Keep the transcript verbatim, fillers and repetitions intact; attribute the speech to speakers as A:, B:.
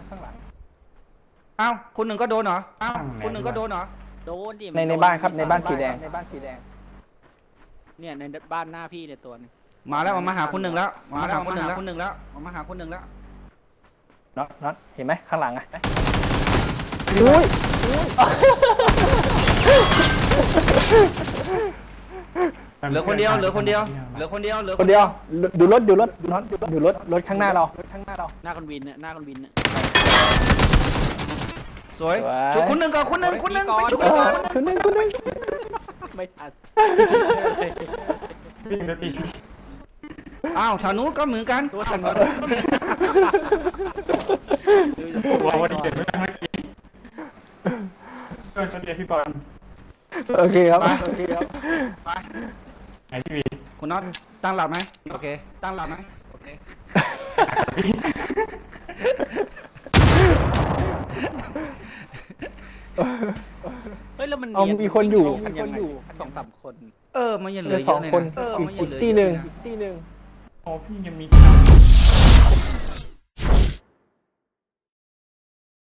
A: ข้างหลัง
B: เอ้าคุณหนึ่งก็โดนเหรอเอ้าคุณหนึ่งก็โดนเหรอ
C: โดนดิ
A: ในในบ้านครับในบ้านสีแดงในบ้านสีแดง
C: เนี่ยในบ้านหน้าพี่เนี่ยตัวนึง
B: มาแล้วมาหาคุณหนึ่งแล้วมาหาคุณหนึ่งแล้วคุณหนึ่งแล้วมาหาคุณหนึ่งแล้ว
A: น็อตน็อตเห็นไหมข้างหลังอ่ะอุ้ย
B: เหลือคนเดียวเหลือคนเดียวเหลือคนเดียวเหลือ
A: คนเดียวดูรถดูรถน็อตดูรถรถข้างหน้าเรารถข้างหน้าเรา
C: หน้าคนวินเนี่ยหน้าคนวินเนี่ย
B: สวยชุดคุณหนึ่งก่อนคุณหนึ่งคุณหนึ่งไปชุด
A: เออคนหนึงคนหนึง
C: ไม่ทัน
D: วิ่งนาที
B: อ้าวทางนู้นก็เหมือนกัน
C: ตัวทัน
D: ว้าววันนี้เจ็บไม่ได้เมื่อกี้เพื่อนชนเดียพี่บอล
A: โอเคครับโอเคครับ
B: ไป
D: ไหนพี่วี
B: คุณน็อตตั้งหลักไหมโอเคตั้งหลักไหมโอเค
C: เฮ้ยแล้วมัน
A: เอามีคนอยู่
C: กันยังไงสองสามคน
B: เออมันยังเห
A: เห
B: ลื
A: ลื
B: อ
A: อ
B: เย
A: สอ
B: อะ
A: ง
B: เลย
A: คน
B: นะเออมันยั
A: อี
B: ง
A: ก
B: เหลือ
A: ตี
B: เยอะ
A: หนึ่ง
B: นะ
A: ตีหนึ่ง
D: โอ้พี่ยังมี